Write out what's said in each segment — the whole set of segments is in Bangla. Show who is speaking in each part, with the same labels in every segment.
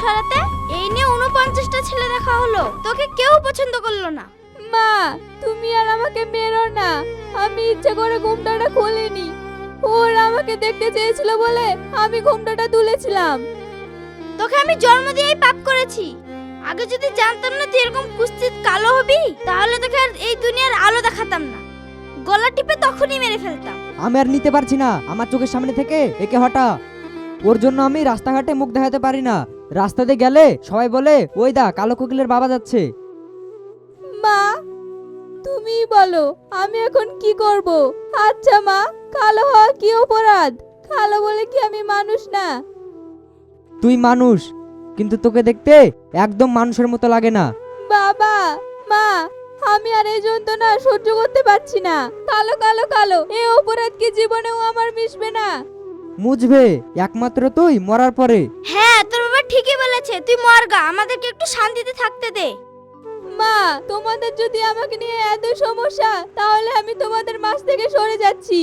Speaker 1: সরাতে এই নিয়ে 49টা ছেলে দেখা হলো, তোকে কেউ পছন্দ করলো না।
Speaker 2: মা, তুমি আর আমাকে মেরো না। আমি ইচ্ছে করে ঘুমটাটা খুলিনি। ওরা আমাকে দেখতে চেয়েছিল বলে আমি ঘুমটাটা তুলেছিলাম।
Speaker 1: তোকে আমি জন্ম দিয়েই পাপ করেছি। আগে যদি জানতাম না তুই এরকম কুৎসিত কালো হবি, তাহলে তোকে আর এই দুনিয়ার আলো দেখাতাম না, গলা টিপে তখনই মেরে ফেলতাম।
Speaker 3: আমি আর নিতে পারছি না, আমার চোখের সামনে থেকে একে হটা। ওর জন্য আমি রাস্তাঘাটে মুখ দেখাতে পারি না। রাস্তাতে গেলে সবাই বলে ওই দা কালো কোকিলের বাবা যাচ্ছে।
Speaker 2: মা, তুমি বলো আমি এখন কি করব? আচ্ছা মা, কালো হওয়া কি অপরাধ? কালো বলে কি আমি মানুষ না?
Speaker 3: তুই মানুষ, কিন্তু তোকে দেখতে একদম মানুষের মতো লাগে না।
Speaker 2: বাবা, মা, আমি আর এই যন্ত্রণা সহ্য করতে পারছি না। কালো কালো কালো, এই অপরাধ কি জীবনেও আমার মিশবে না?
Speaker 3: মুছবে একমাত্র তুই মরার পরে।
Speaker 1: হ্যাঁ, তোর বাবা ঠিকই বলেছে, তুই মর গা, আমাদেরকে একটু শান্তিতে থাকতে দে।
Speaker 2: মা, তোমাদের যদি আমাকে নিয়ে এত সমস্যা, তাহলে আমি তোমাদের মাঝ থেকে সরে যাচ্ছি।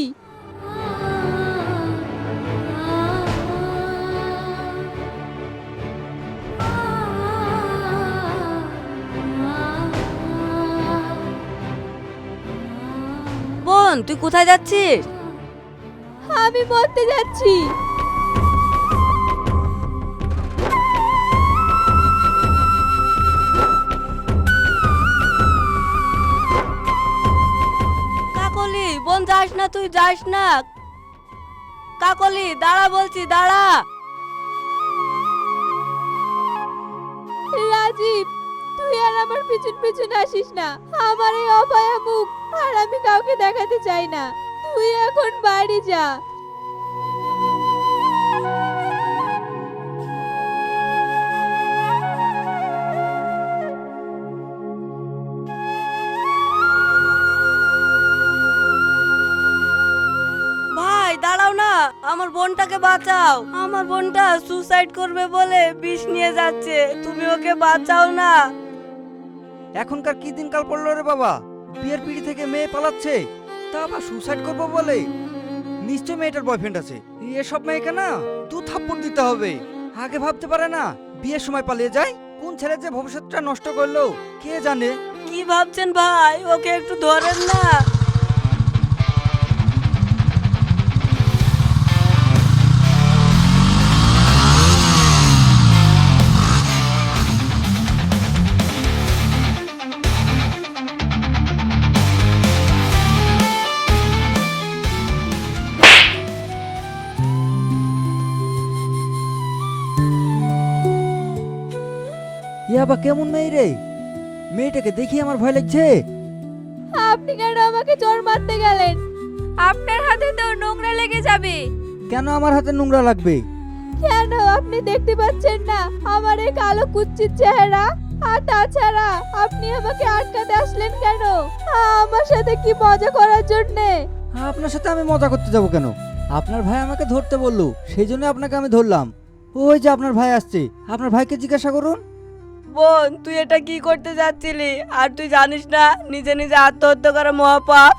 Speaker 4: বোন, তুই কোথায় যাচ্ছিস?
Speaker 2: আমি মরতে যাচ্ছি।
Speaker 4: কাকলি, বোন যাস না, তুই যাস না। কাকলি দাঁড়া বলছি, দাঁড়া।
Speaker 2: রাজীব, তুই আর আমার পিছন পিছন আসিস না। আমার এই অপায়া মুখ আর আমি কাউকে দেখাতে চাই না। তুই এখন বাড়ি যা।
Speaker 4: ভাই দাঁড়াও না, আমার বোনটাকে বাঁচাও। আমার বোনটা সুসাইড করবে বলে বিষ নিয়ে যাচ্ছে, তুমি ওকে বাঁচাও না।
Speaker 5: এখনকার কি দিনকাল পড়লো রে বাবা, বিয়ের পিড়ি থেকে মেয়ে পালাচ্ছে, তা আবার সুসাইড করবো বলে? নিশ্চয় মেয়েটার বয়ফ্রেন্ড আছে। এসব মেয়েকে না দু থাপ্পড় দিতে হবে। আগে ভাবতে পারে না, বিয়ের সময় পালিয়ে যায়। কোন ছেলে যে ভবিষ্যৎটা নষ্ট করলো কে জানে।
Speaker 4: কি ভাবছেন ভাই, ওকে একটু ধরেন না।
Speaker 5: এ আবার কেমন মেয়ে রে? মেয়েটাকে দেখি আমার ভয় লাগছে।
Speaker 2: আপনি কেন আমাকে চোর মারতে গেলেন? আপনার হাতে তো নোংরা লেগে যাবে।
Speaker 5: কেন আমার হাতে নোংরা লাগবে?
Speaker 2: কেন আপনি দেখতে পাচ্ছেন না আমার এই কালো কুচ্ছিত চেহারা? আর তাছাড়া আপনি আমাকে আটকাতে আসলেন কেন? আমার সাথে কি মজা করার জন্যে?
Speaker 5: আপনার সাথে আমি মজা করতে যাব কেন? আপনার ভাই আমাকে ধরতে বললো, সেই জন্য আপনাকে আমি ধরলাম। ওই যে আপনার ভাই আসছে, আপনার ভাইকে জিজ্ঞাসা করুন।
Speaker 4: বোন, তুই এটা কি করতে যাচ্ছিলি? আর তুই জানিস না নিজে নিজে আত্মহত্যা করা মহাপাপ?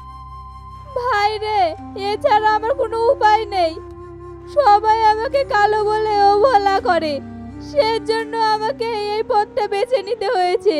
Speaker 2: ভাই রে, এছাড়া আমার কোনো উপায় নেই। সবাই আমাকে কালো বলে অবহেলা করে, সেজন্য আমাকে এই পথটা বেছে নিতে হয়েছে।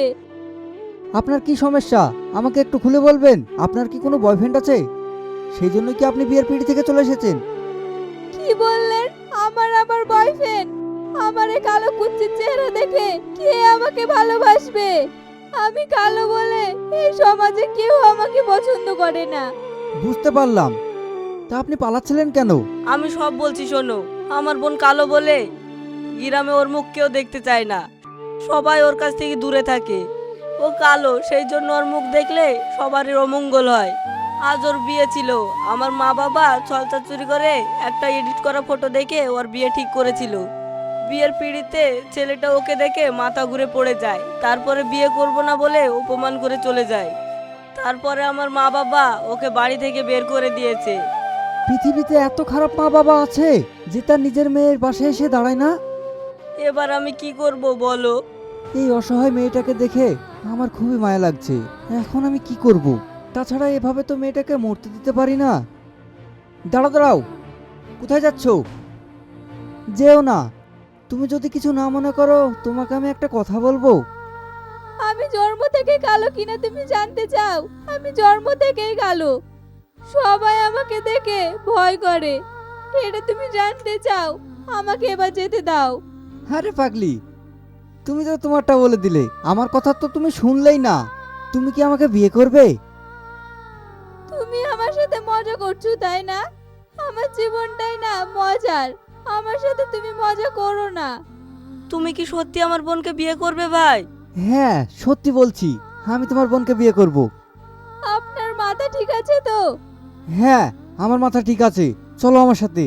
Speaker 5: আপনার কি সমস্যা আমাকে একটু খুলে বলবেন? আপনার কি কোনো বয়ফ্রেন্ড আছে? সেই জন্য কি আপনি বিয়ের পিড়ি থেকে চলে এসেছেন?
Speaker 2: কি বললেন? আমার বয়ফ্রেন্ড? আমার এই কালো কুচ্ছিত চেহারা দেখে কে আমাকে ভালোবাসবে? আমি কালো বলে এই সমাজে কেউ আমাকে পছন্দ করে না।
Speaker 5: বুঝতে পারলাম, তা আপনি পালাচ্ছিলেন কেন?
Speaker 4: আমি সব বলছি শোনো। আমার বোন কালো বলে গ্রামে ওর মুখ কেউ দেখতে চায় না, সবাই ওর কাছ থেকে দূরে থাকে। ও কালো, সেই জন্য ওর মুখ দেখলে সবারই অমঙ্গল হয়। আজ ওর বিয়ে ছিল, আমার মা বাবা ছলচা চুরি করে একটা এডিট করা ফটো দেখে ওর বিয়ে ঠিক করেছিল। বিয়ের পিড়িতে ছেলেটা ওকে দেখে মাথা ঘুরে পড়ে যায়, তারপরে বিয়ে করব না বলে অপমান করে চলে যায়। তারপরে আমার মা বাবা ওকে বাড়ি থেকে বের করে দিয়েছে।
Speaker 5: পৃথিবীতে এত খারাপ মা বাবা আছে যে তার নিজের মেয়ের পাশে এসে দাঁড়ায় না।
Speaker 4: এবার আমি কি করব বলো?
Speaker 5: এই অসহায় মেয়েটাকে দেখে আমার খুবই মায়া লাগছে। এখন আমি কি করব? তাছাড়া এভাবে তো মেয়েটাকে মরতে দিতে পারি না। দাঁড়াও দাঁড়াও, কোথায় যাচ্ছ? যেও না, তুমি যদি কিছু না মনে করো তোমাকে আমি একটা কথা বলবো।
Speaker 2: আমি জন্ম থেকে কালো কিনা তুমি জানতে চাও? আমি জন্ম থেকেই কালো। সবাই আমাকে দেখে ভয় করে। এটা তুমি জানতে চাও? আমাকে এবার যেতে দাও।
Speaker 5: আরে পাগলি, তুমি তো তোমারটা বলে দিলে, আমার কথা তো তুমি শুনলেই না। তুমি কি আমাকে বিয়ে করবে?
Speaker 2: তুমি আমার সাথে মজা করছো তাই না? আমার জীবনটাই না মজার। আমার সাথে তুমি মজা করো না।
Speaker 4: তুমি কি সত্যি আমার বোনকে বিয়ে করবে ভাই?
Speaker 5: হ্যাঁ সত্যি বলছি, আমি তোমার বোনকে বিয়ে করব।
Speaker 2: আপনার মাথা ঠিক আছে তো?
Speaker 5: হ্যাঁ আমার মাথা ঠিক আছে, চলো আমার সাথে।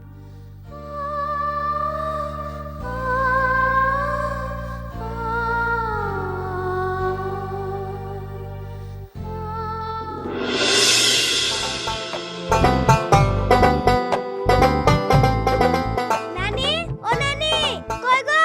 Speaker 1: নানি, ও নানি, কই গো?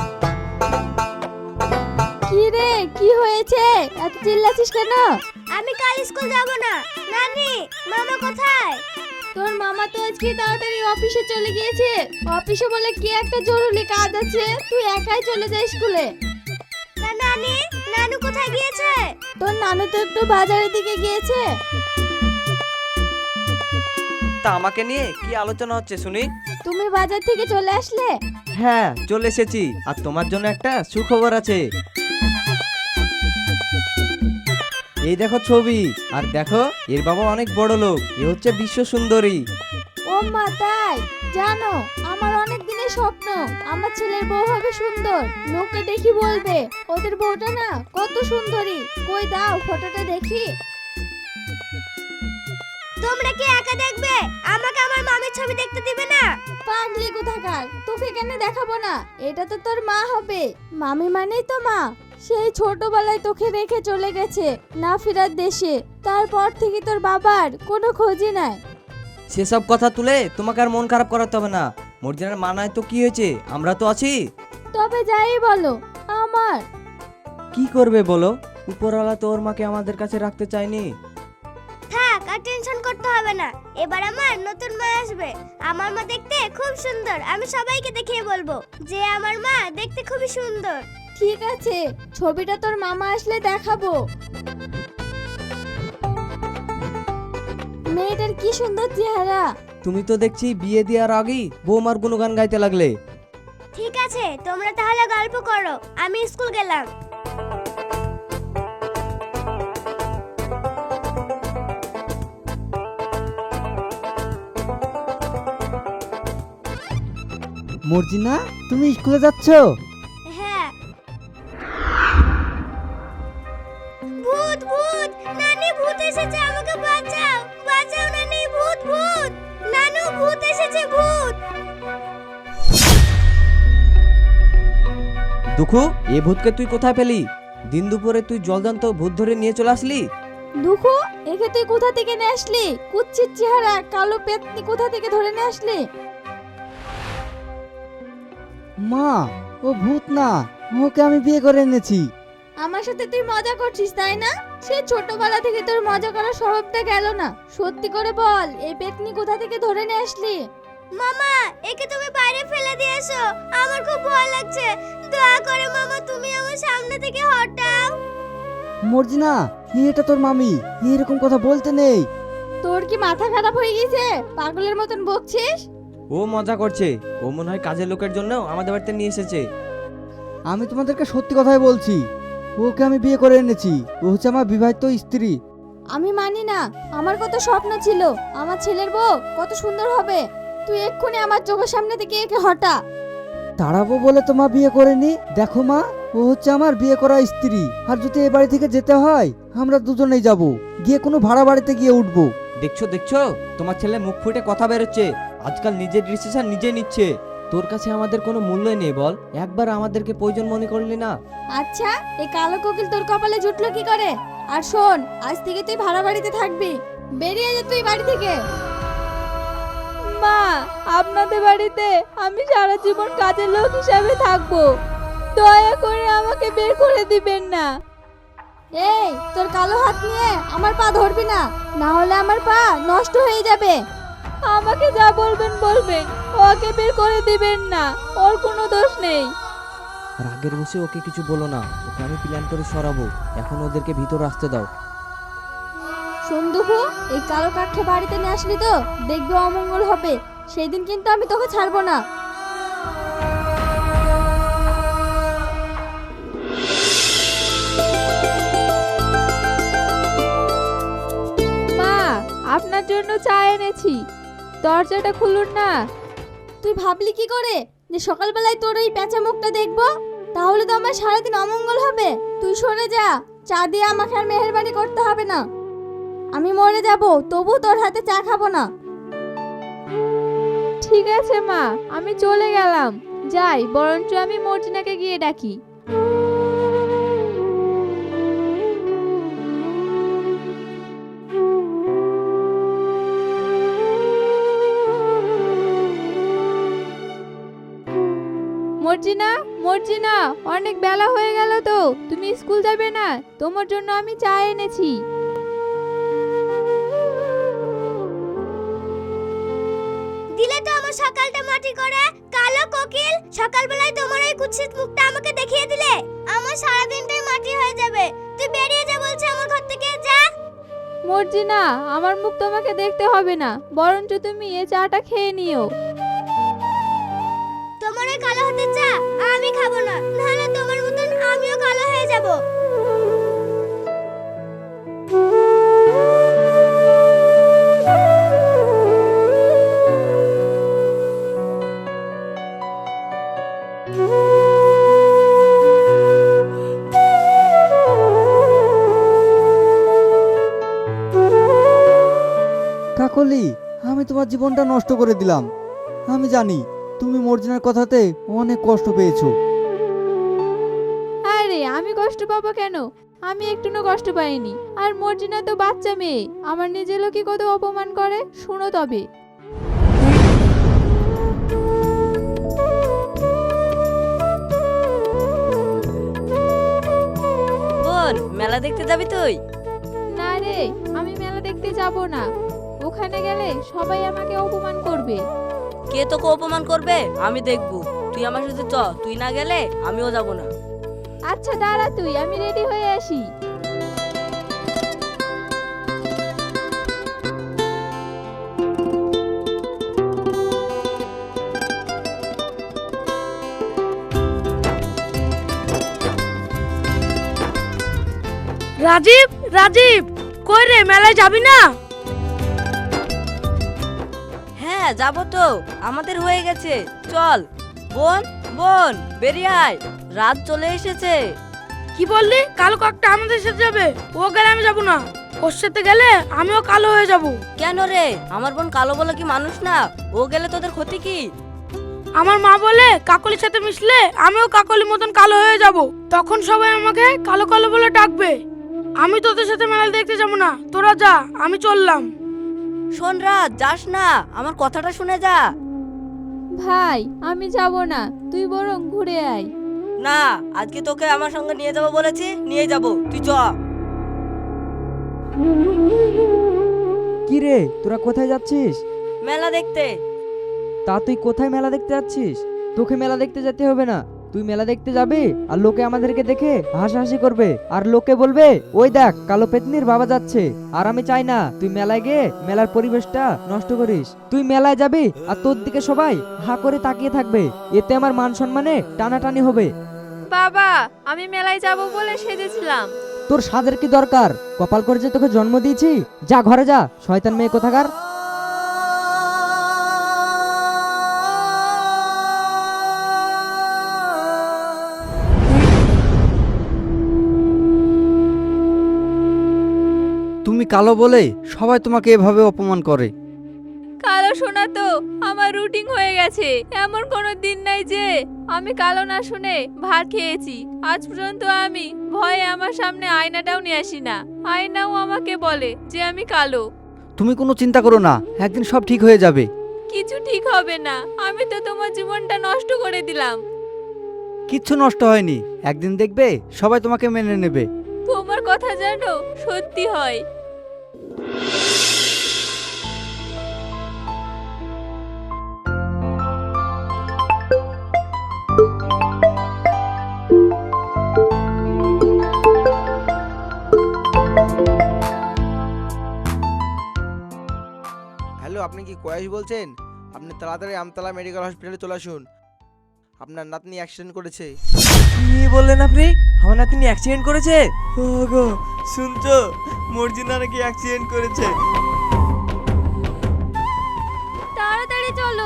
Speaker 2: কি রে, কি হয়েছে? এত চিল্লাছিস কেন?
Speaker 1: আমি কাল স্কুল যাব না। নানি, মামা কোথায়?
Speaker 2: তোর মামা তো আজকে তাড়াতাড়ি অফিসে চলে গিয়েছে। অফিসে বলে কি একটা জরুরি কাজ আছে, তুই একাই চলে যা স্কুলে।
Speaker 1: না নানি, নানু কোথায় গিয়েছে?
Speaker 2: তোর নানু তো একটু বাজারের দিকে গিয়েছে।
Speaker 6: তা আমাকে নিয়ে কি আলোচনা হচ্ছে শুনি?
Speaker 2: তুমি বাজার থেকে চলে আসলে?
Speaker 6: হ্যাঁ চলে এসেছি, আর তোমার জন্য একটা সুখবর আছে। এই দেখো ছবি, আর দেখো এর বাবা অনেক বড় লোক, এ হচ্ছে বিশ্ব সুন্দরী।
Speaker 2: ও মা তাই? জানো আমার অনেক দিনের স্বপ্ন আমার ছেলের বউ হবে সুন্দর। লোকে দেখি বলবে ওদের বউটা না কত সুন্দরী। কই দাও ফটোটা দেখি।
Speaker 1: তোমরা কি একা দেখবে? আমাকে আমার মামির ছবি দেখতে দিবে না?
Speaker 2: পাগলি কোথাকার, তোকে কেন দেখাবো না? এটা তো তোর মা হবে। মামি মানেই তো মা। সেই ছোটবেলায় তোকে রেখে চলে গেছে না ফেরার দেশে। তারপর থেকে তোর বাবার কোনো খোঁজই নাই।
Speaker 6: সেসব কথা তুলে তোমাকে আর মন খারাপ করাতে হবে না। মর্জিনার মানায় তো কি হয়েছে, আমরা তো আছি।
Speaker 2: তবে যাই বলো, আমার
Speaker 6: কি করবে বলো, উপরওয়ালা তো ওর মাকে আমাদের কাছে রাখতে চায়নি।
Speaker 1: থাক, আর টেনশন করতে হবে না। এবার আমার নতুন মা আসবে। আমার মা দেখতে খুব সুন্দর। আমি সবাইকে দেখিয়ে বলবো যে আমার মা দেখতে খুবই সুন্দর।
Speaker 2: ঠিক আছে, ছবিটা তোর মামা আসলে দেখাবো। মেয়েটার কি সুন্দর চেহারা।
Speaker 6: তুমি তো দেখছি বিয়ে দেওয়ার আগেই বৌমার গুণগান গাইতে লাগলে।
Speaker 1: ঠিক আছে, তোমরা তাহলে গল্প করো, আমি স্কুল গেলাম।
Speaker 5: মর্জিনা, তুমি স্কুলে যাচ্ছ?
Speaker 1: হ্যাঁ। ভূত ভূত, নানি ভূত এসেছে, আমাকে বাঁচাও, বাঁচাও নানি, ভূত ভূত, নানু ভূত এসেছে, ভূত।
Speaker 6: দুঃখু, এ ভূতকে তুই কোথায় পেলি? দিন দুপুরে তুই জলজান্ত ভূত ধরে নিয়ে চলে আসলি?
Speaker 2: দুঃখু, একে তুই কোথা থেকে নিয়ে আসলি? কুচ্ছির চেহারা, কালো পেতনি কোথা থেকে ধরে নিয়ে আসলি?
Speaker 5: মা, ও ভূত না, ওকে আমি বিয়ে করে এনেছি।
Speaker 2: আমার সাথে তুই মজা করছিস তাই না? সে ছোটবেলা থেকে তোর মজা করার স্বভাবটা গেল না। সত্যি করে বল, এই পেতনি কোথা থেকে ধরে নিয়ে আসলি?
Speaker 1: মামা, একে তুমি বাইরে ফেলে দিয়ে এসো, আমার খুব ভয় লাগছে। দয়া করে মামা, তুমি আমার সামনে থেকে হটাও।
Speaker 5: মর্জিনা, এটা তোর মামি, এরকম কথা বলতে নেই।
Speaker 2: তোর কি মাথা খারাপ হয়ে গেছে? পাগলের মতন বকছিস।
Speaker 6: ও মজা করছে, ও মনে হয় কাজের লোকের জন্য আমাদের বাড়িতে নিয়ে এসেছে।
Speaker 5: আমি তোমাদেরকে সত্যি কথাই বলছি, ওকে আমি বিয়ে করে এনেছি। ও হচ্ছে আমার বিবাহিত স্ত্রী।
Speaker 2: আমি মানি না। আমার কত স্বপ্ন ছিল আমার ছেলের বউ কত সুন্দর হবে। তুই এক্ষুনি আমার চোখের সামনে থেকে একে হটা।
Speaker 5: তাড়াবো বলে তো মা বিয়ে করেনি। দেখো মা, ও হচ্ছে আমার বিয়ে করা স্ত্রী। আর যদি এ বাড়ি থেকে যেতে হয়, আমরা দুজনেই যাব, গিয়ে কোনো ভাড়া বাড়িতে গিয়ে উঠবো।
Speaker 6: দেখছো দেখছো, তোমার ছেলে মুখ ফুটে কথা বেরোচ্ছে। আজকাল নিজের ডিসিশন নিজে নিচ্ছে। তোর কাছে আমাদের কোনো মূল্যই নেই বল? একবার আমাদেরকে প্রয়োজন মনে করলি না?
Speaker 2: আচ্ছা, এই কালো কোকিল তোর কপালে জুটলো কি করে? আর শোন, আজ থেকে তুই ভাড়া বাড়িতে থাকবি। বেরিয়ে যা তুই বাড়ি থেকে। মা, আপনাদের বাড়িতে আমি সারা জীবন কাজের লোক হিসাবে থাকবো। দয়া করে আমাকে বের করে দিবেন না। এই, তোর কালো হাত নিয়ে আমার পা ধরবি না, না হলে আমার পা নষ্ট হয়ে যাবে। আমাকে যা বলবেন বলবেন, ওকে বের করে দিবেন না, ওর কোনো দোষ নেই।
Speaker 6: রাগের বসে ওকে কিছু বলো না, ওকে আমি প্ল্যান করে সরাবো। এখন ওদেরকে ভিতর আসতে দাও।
Speaker 1: সন্দুকু, এই কালো কাঠে বাড়িতে নিয়ে আসলি তো দেখবি অমঙ্গল হবে, সেই দিন কিন্তু আমি তোকে ছাড়বো না।
Speaker 2: মা, আপনার জন্য চা এনেছি, দরজাটা খুলুন না।
Speaker 1: তুই ভাবলি কি করে যে সকালবেলায় তোর এই পেঁচা মুখটা দেখবো? তাহলে তো আমার সারাদিন অমঙ্গল হবে। তুই সরে যা, চা দিয়ে আমাকে আর মেহেরবানি করতে হবে না। আমি মরে যাব, তবু তোর হাতে চা খাবো না।
Speaker 2: ঠিক আছে মা, আমি চলে গেলাম। যাই, বরঞ্চ আমি মর্জিনাকে গিয়ে ডাকি। মর্জিনা, মর্জিনা, অনেক বেলা হয়ে গেল তো, তুমি স্কুল যাবে না? তোমার জন্য আমি চা এনেছি।
Speaker 1: দিলে তো আমার সকালটা মাটি করে। কালো কোকিল, সকালবেলায় তোমার এই কুৎসিত মুখটা আমাকে দেখিয়ে দিলে আমার সারা দিনটাই মাটি হয়ে যাবে। তুই বেরিয়ে যা বলছি আমার ঘর থেকে, যা।
Speaker 2: মর্জিনা, আমার মুখ তোমাকে দেখতে হবে না, বরঞ্চ তুমি এই চাটা খেয়ে নিও।
Speaker 1: তোমার ওই কালো হতে চা আমি খাবো না, নাহলে তোমার মতন আমিও কালো হয়ে যাব।
Speaker 5: কাকলি, আমি তোমার জীবনটা নষ্ট করে দিলাম। আমি জানি তুমি মর্জিনার কথাতে অনেক কষ্ট পেয়েছো।
Speaker 2: আরে আমি কষ্ট পাবো কেন? আমি একটুও কষ্ট পাইনি। আর মর্জিনা তো বাচ্চা মেয়ে, আমার নিজের লোকই কত অপমান করে, শুনো তবে।
Speaker 4: বোন, মেলা দেখতে যাবি তুই?
Speaker 2: না রে, আমি মেলা দেখতে যাব না। ওখানে গেলে সবাই আমাকে অপমান করবে।
Speaker 4: কে তোকে অপমান করবে আমি দেখবো। তুই আমার সাথে চ, তুই না গেলে আমিও যাব না।
Speaker 2: আচ্ছা দাঁড়া তুই, আমি রেডি হয়ে আসি।
Speaker 7: রাজীব, রাজীব, কই রে, মেলায় যাবি না?
Speaker 4: হ্যাঁ যাবো তো, আমাদের হয়ে গেছে। চল বোন, বোন বেরিয়ে আয়, রাত চলে এসেছে।
Speaker 7: কি বললি? কালো কাকটা আমাদের সাথে যাবে? ও গেলে আমি যাবো না। ওর সাথে গেলে আমিও কালো হয়ে যাব।
Speaker 4: কেন রে, আমার বোন কালো বলে কি মানুষ না? ও গেলে তোদের ক্ষতি কি?
Speaker 7: আমার মা বলে কাকলির সাথে মিশলে আমিও কাকলির মতন কালো হয়ে যাব, তখন সবাই আমাকে কালো কালো বলে ডাকবে। আমি তোদের সাথে মেলা দেখতে যাবো না, তোরা যা, আমি চললাম।
Speaker 4: শোন রাত, যাস না, আমার কথাটা শুনে যা।
Speaker 2: ভাই, আমি যাব না, তুই বরং ঘুরে আয়।
Speaker 4: না, আজকে তোকে আমার সঙ্গে নিয়ে যাবো বলেছি, নিয়ে যাবো, তুই চ।
Speaker 3: কি রে, তোরা কোথায় যাচ্ছিস?
Speaker 4: মেলা দেখতে।
Speaker 3: তা তুই কোথায় মেলা দেখতে যাচ্ছিস? তোকে মেলা দেখতে যেতে হবে না, তুই মেলা দেখতে যাবি আর লোকে আমাদেরকে দেখে হাসাহাসি করবে, আর লোকে বলবে ওই দেখ কালো পেতনির বাবা যাচ্ছে। আর আমি চাই না তুই মেলায় গিয়ে মেলার পরিবেশটা নষ্ট করিস। তুই মেলায় যাবি আর তোর দিকে সবাই হা করে তাকিয়ে থাকবে, এতে আমার মান সম্মানে টানাটানি হবে।
Speaker 2: বাবা, আমি মেলায় যাব বলে সেজেছিলাম।
Speaker 3: তোর সাজের কি দরকার? কপাল করে যে তোকে জন্ম দিয়েছি। যা ঘরে যা, শয়তান মেয়ে কোথাকার।
Speaker 5: তুমি কালো বলে সবাই তোমাকে এভাবে অপমান করে।
Speaker 2: কালো শোনা তো আমার রুটিন হয়ে গেছে। এমন কোনো দিন নাই যে আমি কালো না শুনে ভাত খেয়েছি। আজ পর্যন্ত আমি ভয়ে আমার সামনে আয়নাটাও নিয়ে আসি না। আয়নাও আমাকে বলে যে আমি কালো।
Speaker 5: তুমি কোনো চিন্তা করো না, একদিন সব ঠিক হয়ে যাবে।
Speaker 2: কিছু ঠিক হবে না, আমি তো তোমার জীবনটা নষ্ট করে দিলাম।
Speaker 5: কিচ্ছু নষ্ট হয়নি, একদিন দেখবে সবাই তোমাকে মেনে নেবে।
Speaker 2: তোমার কথা যেন সত্যি হয়।
Speaker 8: আপনি কি কয়েস বলছেন? আপনি তাড়াতাড়ি আমতলা মেডিকেল হসপিটালে চলে আসুন, আপনার নাতনি অ্যাক্সিডেন্ট করেছে।
Speaker 9: কি বললেন আপনি? আমার নাতনি অ্যাক্সিডেন্ট করেছে? ওগো শুনছো, মর্জিনা নাকি অ্যাক্সিডেন্ট করেছে।
Speaker 1: তাড়াতাড়ি চলো।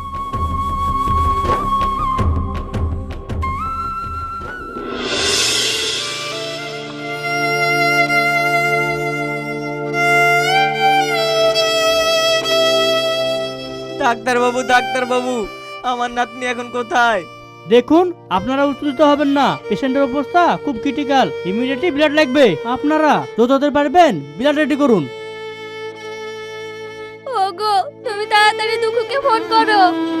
Speaker 9: ডাক্তার বাবু, আমার নাতনি এখন কোথায়?
Speaker 10: দেখুন, আপনারা উত্তেজিত হবেন না, পেশেন্টের অবস্থা খুব ক্রিটিক্যাল, ইমিডিয়েটলি ব্লাড লাগবে। আপনারা যত তাড়াতাড়ি পারবেন ব্লাড রেডি করুন।
Speaker 1: ওগো, তুমি তাড়াতাড়ি দুঃখকে ফোন করো।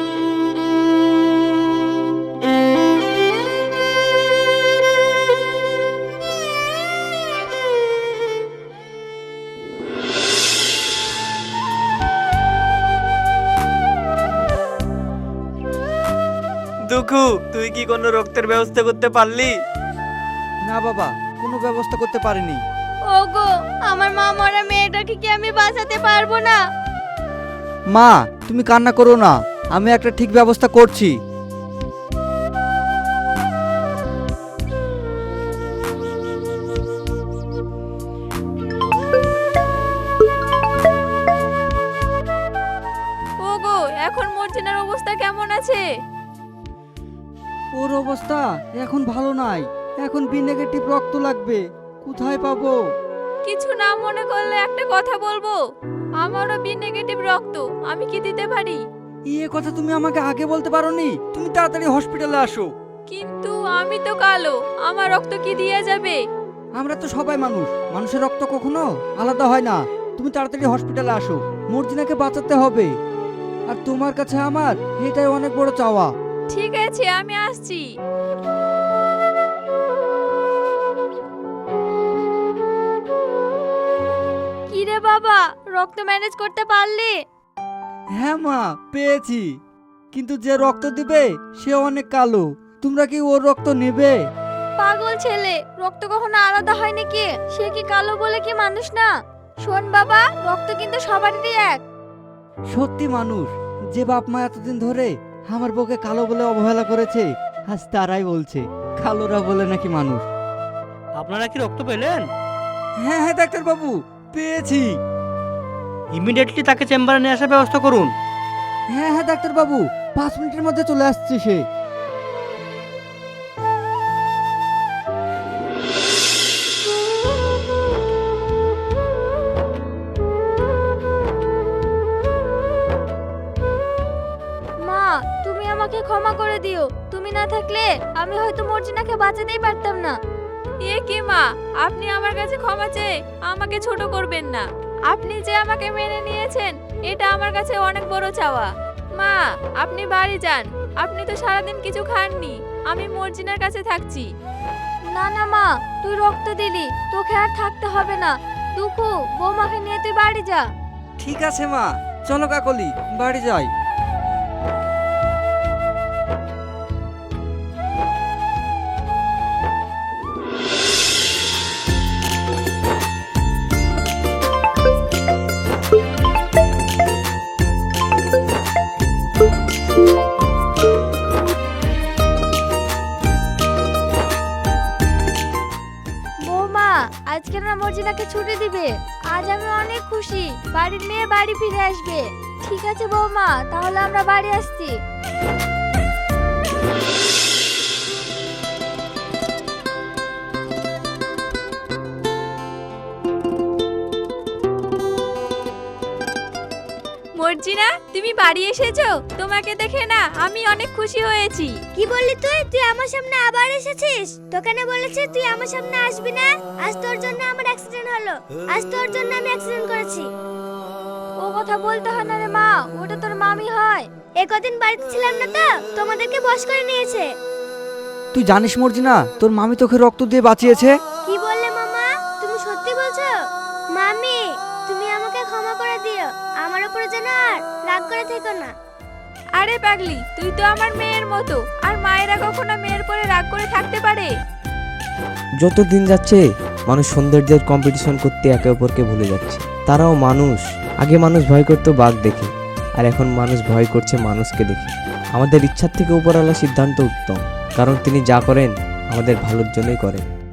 Speaker 9: দুঃখু, তুই কি কোনো রক্তের ব্যবস্থা করতে পারলি?
Speaker 5: না বাবা, কোনো ব্যবস্থা করতে পারিনি।
Speaker 1: ওগো, আমার মা মরা মেয়েটাকে কি আমি বাঁচাতে পারবো না?
Speaker 5: মা, তুমি কান্না করো না, আমি একটা ঠিক ব্যবস্থা করছি।
Speaker 2: ওগো, এখন মর্জিনার অবস্থা কেমন আছে?
Speaker 5: ওর অবস্থা এখন ভালো নাই, এখন বি নেগেটিভ রক্ত লাগবে, কোথায় পাবো?
Speaker 2: কিছু না মনে করলে একটা কথা বলবো, আমারও বি নেগেটিভ রক্ত, আমি কি দিতে পারি?
Speaker 5: এই কথা তুমি আমাকে আগে বলতে পারোনি? তুমি তাড়াতাড়ি হসপিটালে আসো।
Speaker 2: কিন্তু আমি তো কালো, আমার রক্ত কি দিয়ে যাবে?
Speaker 5: আমরা তো সবাই মানুষ, মানুষের রক্ত কখনো আলাদা হয় না। তুমি তাড়াতাড়ি হসপিটালে আসো, মর্জিনাকে বাঁচাতে হবে। আর তোমার কাছে আমার এটাই অনেক বড় চাওয়া।
Speaker 2: ঠিক আছে, আমি আসছি।
Speaker 1: কি রে বাবা, রক্ত ম্যানেজ করতে পারলি?
Speaker 5: হ্যাঁ মা, পেয়েছি, কিন্তু যে রক্ত দিবে সে অনেক কালো। তোমরা কি ওর রক্ত নেবে?
Speaker 1: পাগল ছেলে, রক্ত কখনো আলাদা হয় নাকি? সে কি কালো বলে কি মানুষ না? শোন বাবা, রক্ত কিন্তু সবারই এক।
Speaker 5: সত্যি মানুষ, যে বাপ মা এতদিন ধরে আমার বউকে কালো বলে অবহেলা করেছে, আজ তারাই বলছে কালোরা বলে নাকি মানুষ।
Speaker 10: আপনারা কি রক্ত পেলেন?
Speaker 5: হ্যাঁ হ্যাঁ ডাক্তার বাবু, পেয়েছি।
Speaker 10: ইমিডিয়েটলি তাকে চেম্বারে নিয়ে আসার ব্যবস্থা করুন।
Speaker 5: হ্যাঁ হ্যাঁ ডাক্তার বাবু, 5 মিনিটের মধ্যে চলে আসছে সে।
Speaker 1: মা, তুমি আমাকে ক্ষমা করে দিও। তুমি না থাকলে আমি হয়তো মর্জিনাকে বাঁচাতেই পারতাম না।
Speaker 2: এ কি মা, আপনি আমার কাছে ক্ষমা চেয়ে আমাকে ছোট করবেন না। আপনি যে আমাকে মেনে নিয়েছেন, এটা আমার কাছে অনেক বড় চাওয়া। মা, আপনি বাড়ি যান, আপনি তো সারাদিন কিছু খাননি, আমি মর্জিনার কাছে থাকছি।
Speaker 1: না না মা, তুই রক্ত দিলি, তোকে আর থাকতে হবে না। দুঃখু, বৌমাকে নিয়ে তুই বাড়ি যা।
Speaker 5: ঠিক আছে মা, চলো কাকলি, বাড়ি যাই।
Speaker 1: বৌমা, আজকে না মর্জিনাকে ছুটি দিবে। আজ আমি অনেক খুশি, বাড়ির মেয়ে বাড়ি ফিরে আসবে। ঠিক আছে বৌমা, তাহলে আমরা বাড়ি আসছি।
Speaker 2: মর্জিনা, তুমি বাড়ি এসেছো? তোমাকে দেখে না আমি অনেক খুশি হয়েছি।
Speaker 1: কি বললি তুই? তুই আমার সামনে আবার এসেছিস? তোকে না বলেছি তুই আমার সামনে আসবি না? আজ তোর জন্য আমার অ্যাক্সিডেন্ট হলো, আজ তোর জন্য আমি অ্যাক্সিডেন্ট করেছি। ও কথা বলতে হয় না রে মা, ওটা তোর মামি হয়। কদিন বাড়িতে ছিলাম না তো, তোমাদেরকে বশ করে নিয়েছে।
Speaker 5: তুই জানিস মর্জিনা, তোর মামি তোকে রক্ত দিয়ে বাঁচিয়েছে।
Speaker 1: কি বললে মামা? তুমি সত্যি বলছো? মামি, তুমি আমাকে ক্ষমা করে দিও, আমার উপরে যেন আর রাগ করে থেকো না।
Speaker 2: আরে পাগলি, তুই তো আমার মেয়ের মতো, আর মায়েরা কখনো মেয়ের পরে রাগ করে থাকতে পারে?
Speaker 6: যত দিন যাচ্ছে মানুষ সৌন্দর্যের কম্পিটিশন করতে একে অপরকে ভুলে যাচ্ছে। তারাও মানুষ, আগে মানুষ ভয় করতো বাঘ দেখে, আর এখন মানুষ ভয় করছে মানুষকে দেখে। আমাদের ইচ্ছার থেকে উপরওয়ালা সিদ্ধান্ত উত্তম, কারণ তিনি যা করেন আমাদের ভালোর জন্যই করেন।